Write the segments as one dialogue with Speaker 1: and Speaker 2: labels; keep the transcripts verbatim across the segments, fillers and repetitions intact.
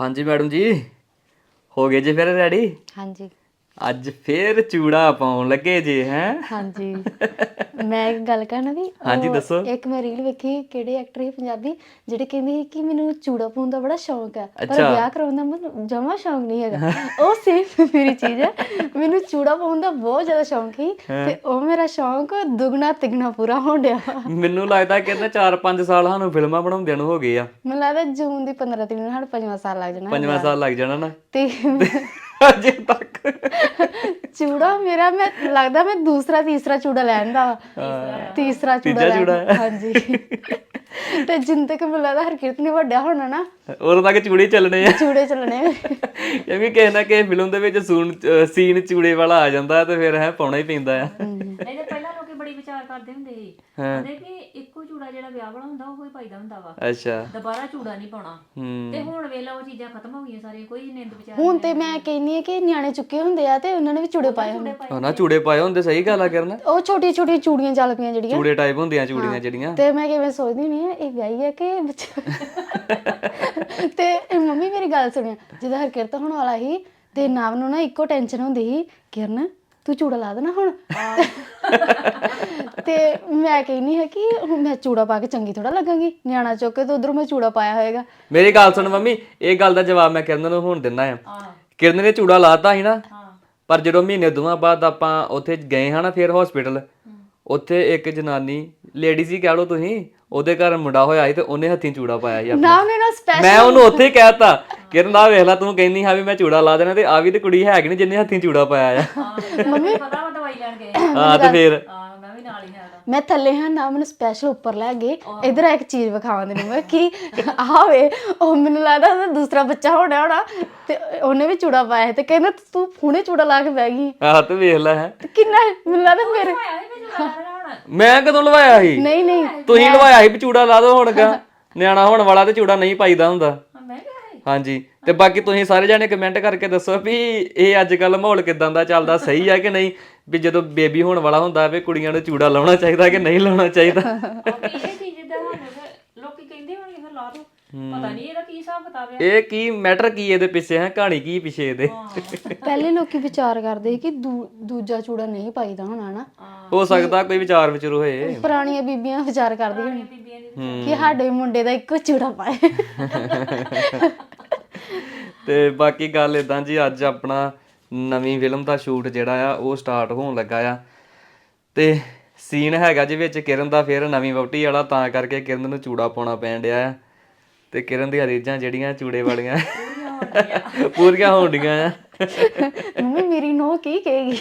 Speaker 1: ਹਾਂਜੀ ਮੈਡਮ ਜੀ, ਹੋ ਗਏ ਜੀ ਫਿਰ ਰੈਡੀ?
Speaker 2: ਹਾਂਜੀ
Speaker 1: ਅੱਜ ਫੇਰ ਚੂੜਾ ਪਾਉਣ ਲੱਗੇ ਜੇ ਹੈਂ?
Speaker 2: ਹਾਂਜੀ ਮੈਂ ਇੱਕ ਗੱਲ ਕਹਿਣਾ ਵੀ
Speaker 1: ਹਾਂਜੀ
Speaker 2: ਉਹ
Speaker 1: ਦੱਸੋ।
Speaker 2: ਇੱਕ ਮੈਂ ਰੀਲ ਵੇਖੀ, ਕਿਹੜੇ ਐਕਟਰ ਸੀ ਪੰਜਾਬੀ ਜਿਹੜੇ ਕਹਿੰਦੇ ਸੀ ਕਿ ਮੈਨੂੰ ਚੂੜਾ ਪਾਉਣ ਦਾ ਬੜਾ ਸ਼ੌਂਕ ਹੈ, ਪਰ
Speaker 1: ਅੱਛਾ।
Speaker 2: ਵਿਆਹ ਕਰਾਉਣ ਦਾ ਮੈਨੂੰ ਜਮਾ ਸ਼ੌਂਕ ਨਹੀਂ ਹੈਗਾ। ਉਹ ਸੇਮ ਮੇਰੀ ਚੀਜ਼ ਹੈ, ਮੈਨੂੰ ਚੂੜਾ ਪਾਉਣ ਦਾ ਬਹੁਤ ਜ਼ਿਆਦਾ ਸ਼ੌਂਕ ਸੀ ਤੇ ਉਹ ਮੇਰਾ ਸ਼ੌਂਕ ਦੁੱਗਣਾ ਤਿੱਗਣਾ ਪੂਰਾ ਹੋਣ ਡਿਆ।
Speaker 1: ਮੈਨੂੰ ਲੱਗਦਾ ਕਿ ਇਹਨੇ ਚਾਰ ਪੰਜ ਸਾਲ ਸਾਨੂੰ ਫਿਲਮਾਂ ਬਣਾਉਂਦਿਆਂ ਨੂੰ ਹੋ ਗਏ ਆ।
Speaker 2: ਮੈਨੂੰ ਲੱਗਦਾ ਜੂਨ ਦੀ ਪੰਦਰਾਂ ਤਰੀਕ ਨੂੰ ਸਾਡਾ ਪੰਜਵਾਂ ਸਾਲ ਲੱਗ ਜਾਣਾ
Speaker 1: ਪੰਜਵਾਂ
Speaker 2: ਵਿਆਹ ਨੂੰ।
Speaker 1: ਸਾਲ ਲੱਗ ਜਾਣਾ ਨਾ
Speaker 2: ਤੇ
Speaker 1: ਅਜੇ ਤੱਕ।
Speaker 2: ਚੂੜਾ ਮੇਰਾ, ਮੈਂ ਲੱਗਦਾ ਮੈਂ ਦੂਸਰਾ ਤੀਸਰਾ ਚੂੜਾ ਲੈਣ ਦਾ ਵਾ। ਤੀਸਰਾ ਚੂੜਾ
Speaker 1: ਤੀਜਾ
Speaker 2: ਲੈਣ
Speaker 1: ਚੂੜਾ ਹੈ।
Speaker 2: ਹਾਂਜੀ। ਤੇ ਜਿੰਨ ਤੱਕ ਮੈਨੂੰ ਲੱਗਦਾ ਹਰਕਿਰਤ ਨੇ ਵੱਡਿਆ ਹੋਣਾ ਨਾ,
Speaker 1: ਉਦੋਂ ਤੱਕ ਚੂੜੇ ਹੀ ਚੱਲਣੇ ਆ।
Speaker 2: ਚੂੜੇ ਚੱਲਣੇ।
Speaker 1: ਕਿਉਂਕਿ ਕਿਸੇ ਨਾ ਕਿਸੇ ਫਿਲਮ ਦੇ ਵਿੱਚ ਸੂਨ ਸੀਨ ਚੂੜੇ ਵਾਲਾ ਆ ਜਾਂਦਾ ਤੇ ਫਿਰ ਹੈ ਪਾਉਣਾ ਹੀ ਪੈਂਦਾ ਆ।
Speaker 3: ਨਹੀਂ ਤੇ ਪਹਿਲਾਂ ਲੋਕੀ ਬੜੀ ਵਿਚਾਰ ਕਰਦੇ ਹੁੰਦੇ ਸੀ, ਕਹਿੰਦੇ ਕਿ ਇੱਕੋ ਚੂੜਾ ਜਿਹੜਾ ਵਿਆਹ ਵਾਲਾ ਹੁੰਦਾ ਉਹ ਹੀ ਪਾਈਦਾ ਹੁੰਦਾ ਵਾ,
Speaker 1: ਅੱਛਾ।
Speaker 3: ਦੁਬਾਰਾ ਚੂੜਾ ਨਹੀਂ ਪਾਉਣਾ।
Speaker 1: ਹੂੰ।
Speaker 3: ਤੇ ਹੁਣ ਵੇਲਾ ਉਹ ਚੀਜ਼ਾਂ ਖਤਮ ਹੋ ਗਈਆਂ ਸਾਰੀਆਂ, ਕੋਈ ਨਿੰਦ ਵਿਚਾਰ
Speaker 2: ਹੁਣ ਤੇ ਮੈਂ ਕਹਿੰਨੀ ਆ ਕਿ ਨਿਆਣੇ ਚੁੱਕੇ ਹੁੰਦੇ ਆ ਤੇ ਉਹਨਾਂ ਨੇ ਵੀ ਚੂੜੇ ਪਾਏ ਹੁੰਦੇ।
Speaker 1: ਹਨਾ ਚੂੜੇ ਪਾਏ ਹੁੰਦੇ, ਸਹੀ ਗੱਲ ਆ ਕਰਨ।
Speaker 2: ਉਹ ਛੋਟੀ ਛੋਟੀ ਚੂੜੀਆਂ ਚੱਲ ਪਈਆਂ ਜਿਹੜੀਆਂ,
Speaker 1: ਚੂੜੇ ਟਾਈਪ ਹੁੰਦੀਆਂ ਚੂੜੀਆਂ ਜਿਹੜੀਆਂ।
Speaker 2: ਤੇ ਮੈਂ ਕਿਵੇਂ ਸੋਚਦੀ ਨਹੀਂ ਆ ਇਹ ਵਿਆਹੀ ਹੈ ਕਿ ਬੱਚਾ। ਤੇ ਮੰਮੀ ਮੇਰੀ ਗੱਲ ਸੁਣਿਆ, ਜਦੋਂ ਹਰਕਿਰਤ ਹੋਣ ਵਾਲਾ ਸੀ ਤੇ ਨਾਮ ਨੂੰ ਨਾ ਇੱਕੋ ਟੈਨਸ਼ਨ ਹੁੰਦੀ ਸੀ, ਕਿਰਨ ਤੂੰ ਚੂੜਾ ਲਾ ਦੇਣਾ ਹੁਣ। ਤੇ ਮੈਂ ਕਹਿੰਨੀ ਹੈ ਕਿ ਹੁਣ ਮੈਂ ਚੂੜਾ ਪਾ ਕੇ ਚੰਗੀ ਥੋੜਾ ਲੱਗਾਂਗੀ, ਨਿਆਣਾ ਚੁੱਕ ਕੇ ਤੇ ਉਧਰੋਂ ਮੈਂ ਚੂੜਾ ਪਾਇਆ ਹੋਏਗਾ।
Speaker 1: ਮੇਰੀ ਗੱਲ ਸੁਣ ਮੰਮੀ, ਇਹ ਗੱਲ ਦਾ ਜਵਾਬ ਮੈਂ ਕਿਰਨ ਨੂੰ ਹੁਣ ਦਿੰਦਾ ਆ। ਕਿਰਨ ਨੇ ਚੂੜਾ ਲਾਤਾ ਸੀ ਨਾ, ਪਰ ਜਦੋਂ ਮਹੀਨੇ ਦੋਵਾਂ ਬਾਅਦ ਆਪਾਂ ਉੱਥੇ ਗਏ ਹਾਂ ਨਾ ਫਿਰ ਹਸਪੀਟਲ, ਉੱਥੇ ਇੱਕ ਜਨਾਨੀ ਲੇਡੀਜ਼ ਹੀ ਕਹਿ ਲਓ ਤੁਸੀਂ, ਉਹਦੇ ਘਰ ਮੁੰਡਾ ਹੋਇਆ ਸੀ ਤੇ ਉਹਨੇ ਹੱਥੀਂ ਚੂੜਾ ਪਾਇਆ ਸੀ ਆਪਣਾ।
Speaker 2: ਨਾ ਉਹਨੇ ਨਾ ਸਪੈਸ਼ਲ
Speaker 1: ਮੈਂ ਉਹਨੂੰ ਉੱਥੇ ਹੀ ਕਹਿਤਾ, ਕਿਰਨ ਆ ਵੇਖ ਲੈ ਤੂੰ ਕਹਿੰਦੀ ਹਾਂ ਵੀ ਮੈਂ ਚੂੜਾ ਲਾ ਦੇਣਾ, ਤੇ ਆ ਵੀ ਤੇ ਕੁੜੀ ਹੈਗੀ ਨੀ ਜਿਹਨੇ ਹੱਥੀਂ ਚੂੜਾ ਪਾਇਆ ਆ।
Speaker 3: ਮੰਮੀ ਪਤਾ ਵਾ ਦਵਾਈ ਲੈਣ ਗਏ।
Speaker 1: ਹਾਂ ਤੇ ਫਿਰ
Speaker 3: ਹਾਂ ਮੈਂ ਵੀ ਨਾਲ ਹੀ ਜਾਣਾ।
Speaker 2: ਮੈਂ ਥੱਲੇ ਹਾਂ ਨਾ, ਮੈਨੂੰ ਸਪੈਸ਼ਲ ਉੱਪਰ ਲੈ ਗਏ ਇਧਰ ਇੱਕ ਚੀਜ਼ ਵਿਖਾਵਾਂ ਤੈਨੂੰ ਮੈਂ ਕਿ ਆਵੇ, ਉਹ ਮੈਨੂੰ ਲੱਗਦਾ ਉਹਦਾ ਦੂਸਰਾ ਬੱਚਾ ਹੋਣਾ ਹੋਣਾ ਤੇ ਉਹਨੇ ਵੀ ਚੂੜਾ ਪਾਇਆ ਤੇ ਕਹਿੰਦਾ ਤੂੰ ਹੁਣੇ ਚੂੜਾ ਲਾ ਕੇ ਬਹਿ ਗਈ।
Speaker 1: ਆਹ ਤੇ ਵੇਖ ਲੈ ਹੈ।
Speaker 2: ਤੇ ਕਿੰਨਾ ਮੈਨੂੰ ਲੱਗਦਾ ਮੇਰੇ
Speaker 1: ਮੈਂ ਕਦੋਂ ਲਵਾਇਆ ਸੀ?
Speaker 2: ਨਹੀਂ ਨਹੀਂ
Speaker 1: ਤੁਸੀਂ ਲਵਾਇਆ ਸੀ ਵੀ ਚੂੜਾ ਲਾ ਦੋ ਹੁਣ ਗਾ। ਨਿਆਣਾ ਹੋਣ ਵਾਲਾ ਤੇ ਚੂੜਾ ਨਹੀਂ ਪਾਈਦਾ ਹੁੰਦਾ।
Speaker 3: ਮੈਂ ਕਿਹਾ
Speaker 1: ਹਾਂਜੀ, ਤੇ ਬਾਕੀ ਤੁਸੀਂ ਸਾਰੇ ਜਾਣੇ ਕਮੈਂਟ ਕਰਕੇ ਦੱਸੋ ਵੀ ਇਹ ਅੱਜ ਕੱਲ ਮਾਹੌਲ ਕਿਦਾਂ ਦਾ ਚੱਲਦਾ, ਸਹੀ ਆ ਕਿ ਨਹੀਂ, ਵੀ ਜਦੋਂ ਬੇਬੀ ਹੋਣ ਵਾਲਾ ਹੁੰਦਾ ਵੀ ਕੁੜੀਆਂ ਨੂੰ ਚੂੜਾ ਲਾਉਣਾ ਚਾਹੀਦਾ ਕਿ ਨਹੀਂ ਲਾਉਣਾ ਚਾਹੀਦਾ।
Speaker 3: ਇਹ ਚੀਜ਼ ਦਾ ਸਾਨੂੰ ਲੋਕੀ ਕਹਿੰਦੇ ਹੋਣਗੇ ਫਿਰ ਲਾ ਦੋ, ਪਤਾ ਨਹੀਂ ਇਹਦਾ ਕੀ ਹਿਸਾਬ ਕਿਤਾਬ ਹੈ।
Speaker 1: ਇਹ ਕੀ ਮੈਟਰ ਕੀ ਇਹਦੇ ਪਿੱਛੇ ਹੈ, ਕਹਾਣੀ ਕੀ ਪਿੱਛੇ ਇਹਦੇ?
Speaker 2: ਪਹਿਲੇ ਲੋਕੀ ਵਿਚਾਰ ਕਰਦੇ ਕਿ ਦੂ- ਦੂਜਾ ਚੂੜਾ ਨਹੀਂ ਪਾਈਦਾ ਹੋਣਾ ਨਾ,
Speaker 1: ਹੋ ਸਕਦਾ ਕੋਈ ਵਿਚਾਰ ਵਿਚਾਰ ਹੋਏ।
Speaker 2: ਪੁਰਾਣੀਆਂ ਬੀਬੀਆਂ ਵਿਚਾਰ ਕਰਦੀਆਂ ਹੋਣੀਆਂ
Speaker 3: ਬੀਬੀਆਂ ਦੀ
Speaker 2: ਕਿ ਸਾਡੇ ਮੁੰਡੇ ਦਾ ਇੱਕੋ ਚੂੜਾ ਪਾਏ।
Speaker 1: ਤੇ ਬਾਕੀ ਗੱਲ ਇਦਾਂ ਜੀ, ਅੱਜ ਆਪਣਾ ਨਵੀਂ ਫਿਲਮ ਦਾ ਸ਼ੂਟ ਜਿਹੜਾ ਆ ਉਹ ਸਟਾਰਟ ਹੋਣ ਲੱਗਾ ਆ, ਤੇ ਸੀਨ ਹੈਗਾ ਜੀ ਵਿੱਚ ਕਿਰਨ ਦਾ ਫਿਰ ਨਵੀਂ ਵਹੁਟੀ ਵਾਲਾ, ਤਾਂ ਕਰਕੇ ਕਿਰਨ ਨੂੰ ਚੂੜਾ ਪਾਉਣਾ ਪੈਣ ਡਿਆ ਆ, ਤੇ ਕਿਰਨ ਦੀਆਂ ਰੀਝਾਂ ਜਿਹੜੀਆਂ ਚੂੜੇ ਵਾਲੀਆਂ ਪੂਰੀਆਂ ਹੋਣ ਡੀਆਂ ਆ।
Speaker 2: ਮੰਮੀ ਮੇਰੀ ਨੋ ਕੀ ਕਹੇਗੀ?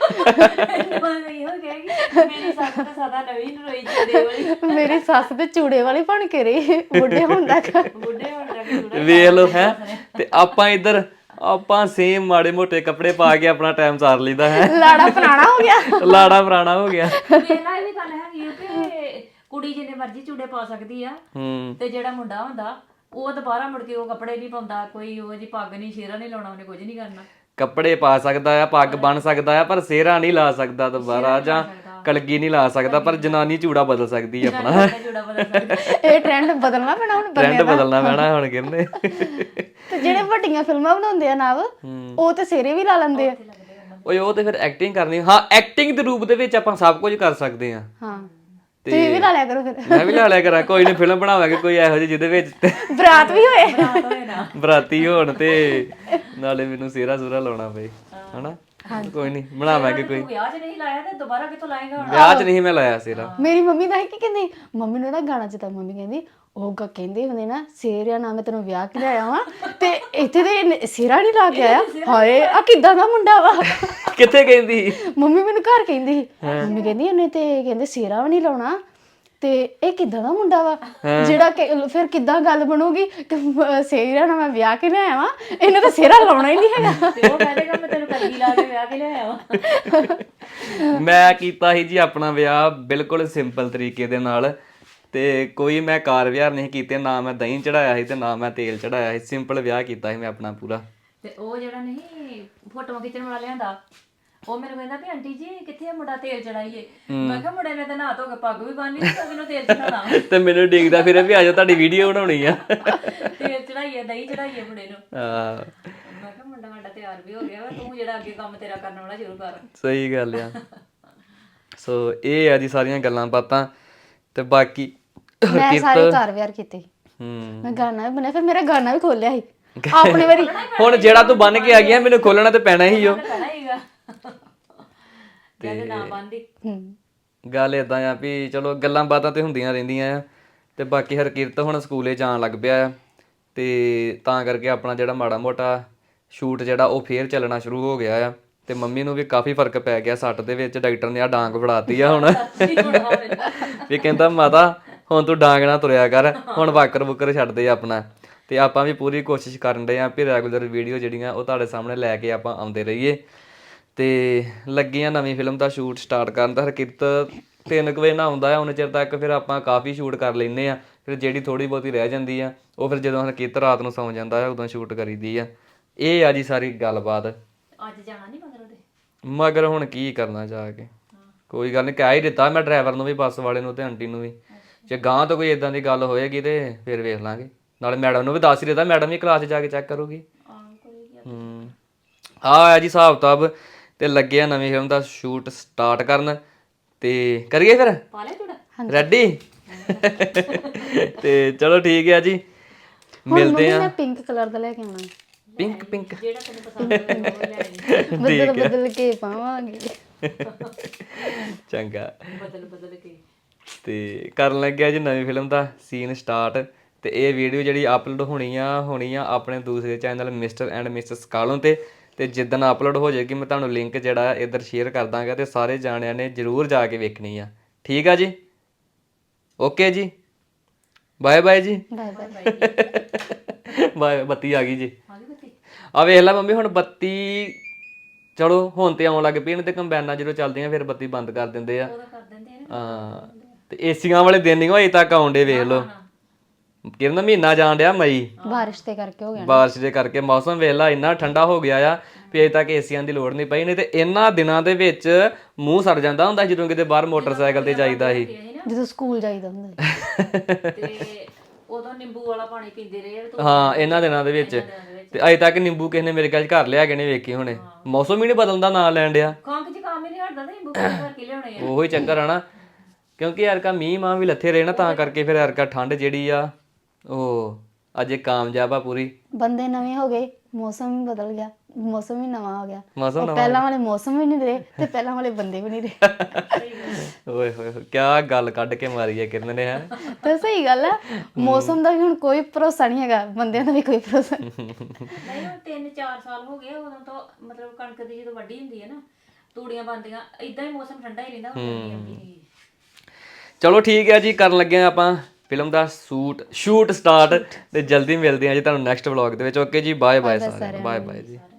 Speaker 3: ਮੇਰੀ ਸੱਸ ਤਾਂ ਸਦਾ ਨਵੀਂ ਰੋਈ ਚੂੜੇ ਵਾਲੀ,
Speaker 2: ਮੇਰੀ ਸੱਸ ਤੇ ਚੂੜੇ ਵਾਲੀ ਬਣ ਕੇ ਰਹੀ ਬੁੱਢੇ ਹੋਣ ਤੱਕ।
Speaker 3: ਬੁੱਢੇ ਹੋਣ ਲੱਗ ਚੂੜਾ।
Speaker 1: ਵੇਖ ਲਓ ਹੈ, ਤੇ ਆਪਾਂ ਇੱਧਰ ਆਪਾਂ ਸੇਮ ਮਾੜੇ ਮੋਟੇ ਕੱਪੜੇ ਪਾ ਕੇ ਆਪਣਾ ਟਾਈਮ ਸਾਰ ਲਈਦਾ ਹੈ।
Speaker 2: ਲਾੜਾ ਪੁਰਾਣਾ ਹੋ ਗਿਆ,
Speaker 1: ਲਾੜਾ ਪੁਰਾਣਾ ਹੋ ਗਿਆ।
Speaker 3: ਵੇਲਾ ਇਹ ਵੀ ਗੱਲ ਹੈਗੀ ਆ ਕਿ ਕੁੜੀ ਜਿੰਨੇ ਮਰਜ਼ੀ ਚੂੜੇ ਪਾ ਸਕਦੀ ਆ,
Speaker 1: ਹੂੰ।
Speaker 3: ਤੇ ਜਿਹੜਾ ਮੁੰਡਾ ਹੁੰਦਾ ਉਹ ਦੁਬਾਰਾ ਮੁੜ ਕੇ ਉਹ ਕੱਪੜੇ ਨਹੀਂ ਪਾਉਂਦਾ, ਕੋਈ ਉਹ ਜੀ ਪੱਗ ਨਹੀਂ, ਸ਼ੇਰਾ ਨਹੀਂ ਲਾਉਣਾ, ਉਹਨੇ ਕੁਝ ਨਹੀਂ ਕਰਨਾ।
Speaker 1: ਕੱਪੜੇ ਪਾ ਸਕਦਾ ਆ, ਪੱਗ ਬੰਨ ਸਕਦਾ ਆ, ਪਰ ਸਿਹਰਾ ਨਹੀਂ ਲਾ ਸਕਦਾ ਦੁਬਾਰਾ, ਜਾਂ ਕਲਗੀ ਨਹੀਂ ਲਾ ਸਕਦਾ, ਪਰ ਜਨਾਨੀ ਚੂੜਾ ਬਦਲ ਸਕਦੀ ਆ ਆਪਣਾ।
Speaker 3: ਚੂੜਾ ਬਦਲ ਸਕਦਾ।
Speaker 2: ਇਹ ਟ੍ਰੈਂਡ ਬਦਲਣਾ ਪੈਣਾ ਹੁਣ
Speaker 1: ਟ੍ਰੈਂਡ
Speaker 2: ਬੰਦਿਆਂ ਦਾ।
Speaker 1: ਬਦਲਣਾ ਪੈਣਾ ਹੁਣ ਕਹਿੰਦੇ।
Speaker 2: ਤੇ ਜਿਹੜੇ ਵੱਡੀਆਂ ਫਿਲਮਾਂ ਬਣਾਉਂਦੇ ਆ ਨਵ, ਉਹ ਤੇ ਸਿਰੇ ਵੀ ਲਾ ਲੈਂਦੇ ਆ।
Speaker 1: ਓਏ ਉਹ ਤੇ ਫਿਰ ਐਕਟਿੰਗ ਕਰਨੀ। ਹਾਂ, ਐਕਟਿੰਗ ਦੇ ਰੂਪ ਦੇ ਵਿੱਚ ਆਪਾਂ ਸਭ ਕੁਝ ਕਰ ਸਕਦੇ ਆ।
Speaker 2: ਹਾਂ, ਤੁਸੀਂ ਵੀ ਲਾ ਲਿਆ ਕਰੋ ਫਿਰ।
Speaker 1: ਮੈਂ ਵੀ ਲਾ ਲਿਆ ਕਰਾਂ, ਕੋਈ ਨਹੀਂ, ਫਿਲਮ ਬਣਾਵਾਂਗੇ ਕੋਈ ਇਹੋ ਜਿਹੀ ਜਿਹਦੇ ਵਿੱਚ
Speaker 2: ਬਰਾਤ ਵੀ ਹੋਏ,
Speaker 1: ਬਰਾਤੀ ਹੋਣ ਤੇ ਨਾਲੇ ਮੈਨੂੰ ਸਿਹਰਾ ਸੁਹਰਾ ਲਾਉਣਾ ਪਏ, ਹਨਾ। ਕੋਈ ਨਹੀਂ, ਬਣਾਵਾਂਗੇ ਕੋਈ।
Speaker 3: ਵਿਆਹ 'ਚ ਨਹੀਂ ਲਾਇਆ ਤੇ ਦੁਬਾਰਾ ਕਿੱਥੋਂ ਲਾਏਗਾ ਹੁਣ?
Speaker 1: ਵਿਆਹ 'ਚ ਨਹੀਂ ਮੈਂ ਲਾਇਆ ਸਿਹਰਾ।
Speaker 2: ਮੇਰੀ ਮੰਮੀ ਦਾ ਕੀ ਕਹਿੰਦੀ, ਮੰਮੀ ਨੂੰ ਨਾ ਗਾਣਾ ਚ ਤਾਂ ਮੰਮੀ ਕਹਿੰਦੀ ਉਹ ਗ ਕਹਿੰਦੇ ਹੁੰਦੇ ਨਾ, ਸਿਹਰਿਆ ਨਾ ਮੈਂ ਤੈਨੂੰ ਵਿਆਹ ਕੇ ਲਿਆਇਆ ਵਾਂ ਤੇ ਇੱਥੇ ਤੇ ਸਿਹਰਾ ਨਹੀਂ ਲਾ ਕੇ ਆਇਆ। ਹਾਏ ਆ ਕਿੱਦਾਂ ਦਾ ਮੁੰਡਾ ਵਾ।
Speaker 1: ਕਿੱਥੇ ਕਹਿੰਦੀ?
Speaker 2: ਮੰਮੀ ਮੈਨੂੰ ਘਰ ਕਹਿੰਦੀ, ਮੰਮੀ ਕਹਿੰਦੀ ਉਹਨੇ ਤੇ ਕਹਿੰਦੇ ਸਿਹਰਾ ਵੀ ਨਹੀਂ ਲਾਉਣਾ, ਤੇ ਇਹ ਕਿੱਦਾਂ ਦਾ ਮੁੰਡਾ ਵਾ ਜਿਹੜਾ ਫਿਰ ਕਿੱਦਾਂ ਗੱਲ ਬਣੂਗੀ ਕਿ ਸਿਹਰਾ ਨਾਲ ਮੈਂ ਵਿਆਹ ਕੇ ਲਿਆਇਆ ਵਾਂ, ਇਹਨੇ ਤਾਂ ਸਿਹਰਾ ਲਾਉਣਾ ਹੀ ਨਹੀਂ ਹੈਗਾ।
Speaker 3: ਤੇ ਉਹ ਕਹੇਗਾ ਮੈਂ ਤੈਨੂੰ ਕਲਗੀ ਲਾ ਕੇ ਵਿਆਹ ਕੇ ਲਿਆਇਆ ਵਾ।
Speaker 1: ਮੈਂ ਕੀਤਾ ਸੀ ਜੀ ਆਪਣਾ ਵਿਆਹ ਬਿਲਕੁਲ ਸਿੰਪਲ ਤਰੀਕੇ ਦੇ ਨਾਲ, ਤੇ ਕੋਈ ਮੈਂ ਕਾਰ ਵਿਹਾਰ ਨਹੀਂ ਕੀਤੇ, ਨਾ ਮੈਂ ਦਹੀਂ ਚੜਾਇਆ ਸੀ ਤੇ ਨਾ ਮੈਂ ਤੇਲ ਚੜਾਇਆ ਸੀ। ਸਿੰਪਲ ਵਿਆਹ ਕੀਤਾ ਸੀ ਮੈਂ ਆਪਣਾ ਪੂਰਾ।
Speaker 3: ਤੇ ਉਹ ਜਿਹੜਾ ਨਹੀਂ ਫੋਟੋਆਂ ਖਿੱਚਣ ਵਾਲਾ ਲਿਆਂਦਾ, ਉਹ ਮੈਨੂੰ ਕਹਿੰਦਾ ਵੀ ਆਂਟੀ ਜੀ ਕਿੱਥੇ ਆ ਮੁੰਡਾ ਤੇਲ ਚੜਾਈਏ ਮੈਂ ਕਿਹਾ ਮੁੰਡੇ ਨੇ ਤਾਂ ਨਹਾ ਧੋ ਕੇ ਪੱਗ ਵੀ ਬੰਨ ਲਈ ਤੇ ਮੈਨੂੰ ਤੇਲ ਚੜਾਉਣਾ
Speaker 1: ਤੇ ਮੈਨੂੰ ਡਿੱਗਦਾ ਫਿਰ ਵੀ ਆਜੋ ਤੁਹਾਡੀ ਵੀਡੀਓ ਬਣਾਉਣੀ ਆ
Speaker 3: ਤੇਲ ਚੜਾਈਏ ਦਹੀਂ ਚੜਾਈਏ ਮੁੰਡੇ ਨੂੰ
Speaker 1: ਹਾਂ
Speaker 3: ਮੈਂ ਕਿਹਾ ਮੁੰਡਾ ਸਾਡਾ ਤਿਆਰ ਵੀ ਹੋ ਗਿਆ ਵਾ ਤੂੰ ਜਿਹੜਾ ਅੱਗੇ ਕੰਮ ਤੇਰਾ ਕਰਨ ਵਾਲਾ ਜ਼ਰੂਰ ਕਰ
Speaker 1: ਸਹੀ ਗੱਲ ਆ ਸੋ ਇਹ ਆ ਜੀ ਸਾਰੀਆਂ ਗੱਲਾਂ ਬਾਤਾਂ ਤੇ ਬਾਕੀ
Speaker 2: ਮੈਂ ਸਾਰੇ ਘਰ ਵਿਆਰ ਕੀਤੇ
Speaker 1: ਹੂੰ
Speaker 2: ਮੈਂ ਗਾਣਾ ਵੀ ਬਣਿਆ ਫਿਰ ਮੇਰਾ ਗਾਣਾ ਵੀ ਖੋਲਿਆ ਸੀ ਆਪਣੇ ਵਾਰੀ
Speaker 1: ਹੁਣ ਜਿਹੜਾ ਤੂੰ ਬੰਨ ਕੇ ਆ ਗਿਆ ਮੈਨੂੰ ਖੋਲਣਾ ਤੇ ਪੈਣਾ ਹੀ ਓ
Speaker 3: ਕਹਿਣਾ ਹੀਗਾ ਜਦ ਨਾ ਬੰਦੀ
Speaker 2: ਹੂੰ
Speaker 1: ਗੱਲ ਇਦਾਂ ਆ ਵੀ ਚਲੋ ਗੱਲਾਂ ਬਾਤਾਂ ਤੇ ਹੁੰਦੀਆਂ ਰਹਿੰਦੀਆਂ ਆ ਤੇ ਬਾਕੀ ਹਰਕਿਰਤ ਹੁਣ ਸਕੂਲੇ ਜਾਣ ਲੱਗ ਪਿਆ ਆ ਤੇ ਤਾਂ ਕਰਕੇ ਆਪਣਾ ਜਿਹੜਾ ਮਾੜਾ ਮੋਟਾ ਸ਼ੂਟ ਜਿਹੜਾ ਉਹ ਫੇਰ ਚੱਲਣਾ ਸ਼ੁਰੂ ਹੋ ਗਿਆ ਆ ਤੇ ਮੰਮੀ ਨੂੰ ਵੀ ਕਾਫੀ ਫਰਕ ਪੈ ਗਿਆ ਸੱਟ ਦੇ ਵਿੱਚ ਡਾਕਟਰ ਨੇ ਆ ਡਾਂਗ ਫੜਾਤੀ ਆ ਹੁਣ ਵੀ ਕਹਿੰਦਾ ਮਾਤਾ ਹੁਣ ਤੂੰ ਡਾਂਗ ਨਾ ਤੁਰਿਆ ਕਰ ਹੁਣ ਵਾਕਰ ਬੁੱਕਰ ਛੱਡ ਦੇ ਆਪਣਾ ਤੇ ਆਪਾਂ ਵੀ ਪੂਰੀ ਕੋਸ਼ਿਸ਼ ਕਰਨ ਰਹੇ ਆ ਵੀ ਰੈਗੂਲਰ ਵੀਡੀਓ ਜਿਹੜੀਆਂ ਉਹ ਤੁਹਾਡੇ ਸਾਹਮਣੇ ਲੈ ਕੇ ਆਪਾਂ ਆਉਂਦੇ ਰਹੀਏ ਤੇ ਲੱਗੀਆਂ ਨਵੀਂ ਫਿਲਮ ਦਾ ਸ਼ੂਟ ਸਟਾਰਟ ਕਰਨ ਦਾ ਹਰਕਿਰਤ ਤਿੰਨ ਕੁ ਵਜੇ ਨਾ ਆਉਂਦਾ ਆ ਉਹਨੇ ਚਿਰ ਤੱਕ ਫਿਰ ਆਪਾਂ ਕਾਫੀ ਸ਼ੂਟ ਕਰ ਲੈਂਦੇ ਆ ਫਿਰ ਜਿਹੜੀ ਥੋੜੀ ਬਹੁਤੀ ਰਹਿ ਜਾਂਦੀ ਆ ਉਹ ਫਿਰ ਜਦੋਂ ਹਰਕਿਰਤ ਰਾਤ ਨੂੰ ਸੌਂ ਜਾਂਦਾ ਆ ਉਦੋਂ ਸ਼ੂਟ ਕਰੀਦੀ ਆ ਇਹ ਆ ਜੀ ਸਾਰੀ ਗੱਲਬਾਤ
Speaker 3: ਅੱਜ ਜਾਣਾ ਨਹੀਂ ਮਗਰ ਉਹਦੇ
Speaker 1: ਮਗਰ ਹੁਣ ਕੀ ਕਰਨਾ ਜਾ ਕੇ ਕੋਈ ਗੱਲ ਨਹੀਂ ਕਹਿ ਹੀ ਦਿੱਤਾ ਮੈਂ ਡਰਾਈਵਰ ਨੂੰ ਵੀ ਬੱਸ ਵਾਲੇ ਨੂੰ ਤੇ ਆਂਟੀ ਨੂੰ ਵੀ ਜੇ ਗਾਂ ਤੋਂ ਕੋਈ ਇਦਾਂ ਦੀ ਗੱਲ ਹੋਏਗੀ ਤੇ ਫਿਰ ਵੇਖ ਲਾਂਗੇ ਨਾਲੇ ਮੈਡਮ ਨੂੰ ਵੀ ਦੱਸ ਹੀ ਦਿੱਤਾ ਮੈਡਮ ਵੀ ਕਲਾਸ 'ਚ ਜਾ ਕੇ ਚੈੱਕ ਕਰੂਗੀ ਹੂੰ ਆ ਆ ਜੀ ਹਿਸਾਬ ਕਿਤਾਬ ਤੇ ਲੱਗੇ ਆ ਨਵੀਂ ਫਿਲਮ ਦਾ ਸ਼ੂਟ ਸਟਾਰਟ ਕਰਨ ਤੇ ਕਰੀਏ ਫਿਰ
Speaker 3: ਪਾ ਲੈ ਚੂੜਾ
Speaker 1: ਰੈਡੀ ਤੇ ਚਲੋ ਠੀਕ ਹੈ ਜੀ ਮਿਲਦੇ ਆ
Speaker 2: ਮੈਂ ਪਿੰਕ ਕਲਰ ਦਾ ਲੈ ਕੇ ਆਉਣਾ
Speaker 1: ਪਿੰਕ ਪਿੰਕ
Speaker 3: ਜਿਹੜਾ ਤੈਨੂੰ ਪਸੰਦ ਹੋਵੇ ਉਹ ਲੈ ਆਈ
Speaker 2: ਬਦਲ ਬਦਲ ਕੇ ਪਾਵਾਂਗੇ
Speaker 1: ਚੰਗਾ
Speaker 3: ਬਦਲ ਬਦਲ ਕੇ
Speaker 1: ਤੇ ਕਰਨ ਲੱਗਿਆ ਜੀ ਨਵੀਂ ਫਿਲਮ ਦਾ ਸੀਨ ਸਟਾਰਟ ਤੇ ਇਹ ਵੀਡੀਓ ਜਿਹੜੀ ਅਪਲੋਡ ਹੋਣੀ ਆ ਹੋਣੀ ਆ ਆਪਣੇ ਦੂਸਰੇ ਚੈਨਲ ਮਿਸਟਰ ਐਂਡ ਮਿਸਿਸ ਕਾਲੋਂ ਤੇ ਤੇ ਜਿੱਦਣ ਅਪਲੋਡ ਹੋ ਜਾਏਗੀ ਮੈਂ ਤੁਹਾਨੂੰ ਲਿੰਕ ਜਿਹੜਾ ਇੱਧਰ ਸ਼ੇਅਰ ਕਰ ਦਾਂਗਾ ਤੇ ਸਾਰੇ ਜਾਣਿਆਂ ਨੇ ਜਰੂਰ ਜਾ ਕੇ ਵੇਖਣੀ ਆ ਠੀਕ ਆ ਜੀ ਓਕੇ ਜੀ ਬਾਏ ਬਾਏ ਜੀ
Speaker 2: ਬਾਏ ਬਾਏ
Speaker 1: ਬਾਏ ਬੱਤੀ ਆ ਗਈ ਜੀ
Speaker 3: ਆ ਗਈ ਬੱਤੀ
Speaker 1: ਆ ਵੇਖ ਲੈ ਮੰਮੀ ਹੁਣ ਬੱਤੀ ਚਲੋ ਹੁਣ ਤੇ ਆਉਣ ਲੱਗ ਪਈ ਨੇ ਤੇ ਕੰਬਾਈਨਾਂ ਜਦੋਂ ਚੱਲਦੀਆਂ ਫਿਰ ਬੱਤੀ ਬੰਦ ਕਰ ਦਿੰਦੇ ਆ
Speaker 3: ਉਹਦਾ ਕਰ ਦਿੰਦੇ ਆ
Speaker 1: ਹਾਂ ਤੇ ਏਸੀਆਂ ਵਾਲੇ ਦਿਨ ਨਹੀਂ ਹੋਏ ਤੱਕ ਆਉਂਦੇ ਵੇਖ ਲਓ ਕਿਰਨ ਮਹੀਨਾ ਜਾਣ ਡਿਆ ਮਈ
Speaker 2: ਬਾਰਿਸ਼ ਤੇ ਕਰਕੇ ਹੋ ਗਿਆ
Speaker 1: ਬਾਰਿਸ਼ ਦੇ ਕਰਕੇ ਮੌਸਮ ਵੇਖ ਲਾ ਇੰਨਾ ਠੰਡਾ ਹੋ ਗਿਆ ਆ ਵੀ ਅਜੇ ਤੱਕ ਏਸੀਆਂ ਦੀ ਲੋੜ ਨਹੀਂ ਪਈ ਨਹੀਂ ਤੇ ਇਹਨਾਂ ਦਿਨਾਂ ਦੇ ਵਿੱਚ ਮੂੰਹ ਸੜ ਜਾਂਦਾ ਹੁੰਦਾ ਜਦੋਂ ਕਿਤੇ ਬਾਹਰ ਮੋਟਰਸਾਈਕਲ ਤੇ ਜਾਈਦਾ ਸੀ
Speaker 2: ਜਦੋਂ ਸਕੂਲ ਜਾਈਦਾ ਹੁੰਦਾ
Speaker 3: ਤੇ ਉਦੋਂ ਨਿੰਬੂ ਵਾਲਾ ਪਾਣੀ ਪੀਂਦੇ ਰਹੇ ਆ ਤੇ
Speaker 1: ਹਾਂ ਇਹਨਾਂ ਦਿਨਾਂ ਦੇ ਵਿੱਚ ਤੇ ਅਜੇ ਤੱਕ ਨਿੰਬੂ ਕਿਸੇ ਨੇ ਮੇਰੇ ਕੋਲ ਘਰ ਲਿਆ ਕੇ ਨਹੀਂ ਵੇਖੀ ਹੁਣੇ ਮੌਸਮ ਹੀ ਨਹੀਂ ਬਦਲਦਾ ਨਾਂ ਲੈਣ ਡਿਆ
Speaker 3: ਖੰਗ ਚ ਕੰਮ ਹੀ ਨਹੀਂ ਹਟਦਾ ਤੇ ਨਿੰਬੂ ਪਾਣੀ ਭਰ ਕੇ ਲਿਆਉਣੇ ਆ
Speaker 1: ਉਹੀ ਚੱਕਰ ਆ ਨਾ ਕਿਉਂਕਿ ਯਾਰ ਕਾ ਮੀਂਹ ਮਾਂ ਵੀ ਲੱਥੇ ਰਹੇ ਨਾ ਤਾਂ ਕਰਕੇ ਫਿਰ ਯਾਰ ਕਾ ਠੰਡ ਜਿਹੜੀ ਆ ਉਹ ਅਜੇ ਕਾਮਯਾਬ ਆ ਪੂਰੀ
Speaker 2: ਬੰਦੇ ਨਵੇਂ ਹੋ ਗਏ ਮੌਸਮ ਵੀ ਬਦਲ ਗਿਆ ਮੌਸਮ ਵੀ ਨਵਾਂ ਹੋ ਗਿਆ
Speaker 1: ਮੌਸਮ
Speaker 2: ਉਹ ਪਹਿਲਾਂ ਵਾਲੇ ਮੌਸਮ ਵੀ ਨਹੀਂ ਰਹੇ ਤੇ ਪਹਿਲਾਂ ਵਾਲੇ ਬੰਦੇ ਵੀ ਨਹੀਂ ਰਹੇ
Speaker 1: ਓਏ ਹੋਏ ਹੋਏ ਕਿਆ ਗੱਲ ਕੱਢ ਕੇ ਮਾਰੀ ਹੈ ਕਿਰਨ ਨੇ ਹੈ
Speaker 2: ਤਾਂ ਸਹੀ ਗੱਲ ਹੈ ਮੌਸਮ ਦਾ ਵੀ ਹੁਣ ਕੋਈ ਭਰੋਸਾ ਨਹੀਂ ਹੈਗਾ ਬੰਦਿਆਂ ਦਾ ਵੀ ਕੋਈ ਭਰੋਸਾ ਨਹੀਂ
Speaker 3: ਨਹੀਂ ਹੁਣ ਤਿੰਨ ਚਾਰ ਸਾਲ ਹੋ ਗਏ ਉਦੋਂ ਤੋਂ ਮਤਲਬ ਕਣਕ ਦੀ ਜਦੋਂ ਵੱਢੀ ਹੁੰਦੀ ਹੈ ਨਾ ਤੂੜੀਆਂ ਬਣਦੀਆਂ ਇਦਾਂ ਹੀ ਮੌਸਮ ਠੰਡਾ ਹੀ ਰਹਿੰਦਾ ਹੁਣ ਗਰਮੀ ਆਉਂਦੀ ਨਹੀਂ
Speaker 1: ਚਲੋ ਠੀਕ ਹੈ ਜੀ ਕਰਨ ਲੱਗੇ ਆ ਆਪਾਂ ਫਿਲਮ ਦਾ ਸ਼ੂਟ ਸ਼ੂਟ ਸਟਾਰਟ ਤੇ ਜਲਦੀ ਮਿਲਦੇ ਆ ਜੀ ਤੁਹਾਨੂੰ ਨੈਕਸਟ ਵਲੌਗ ਦੇ ਵਿੱਚ ਓਕੇ ਜੀ ਬਾਏ ਬਾਏ ਸਾਰੇ ਬਾਏ ਬਾਏ ਜੀ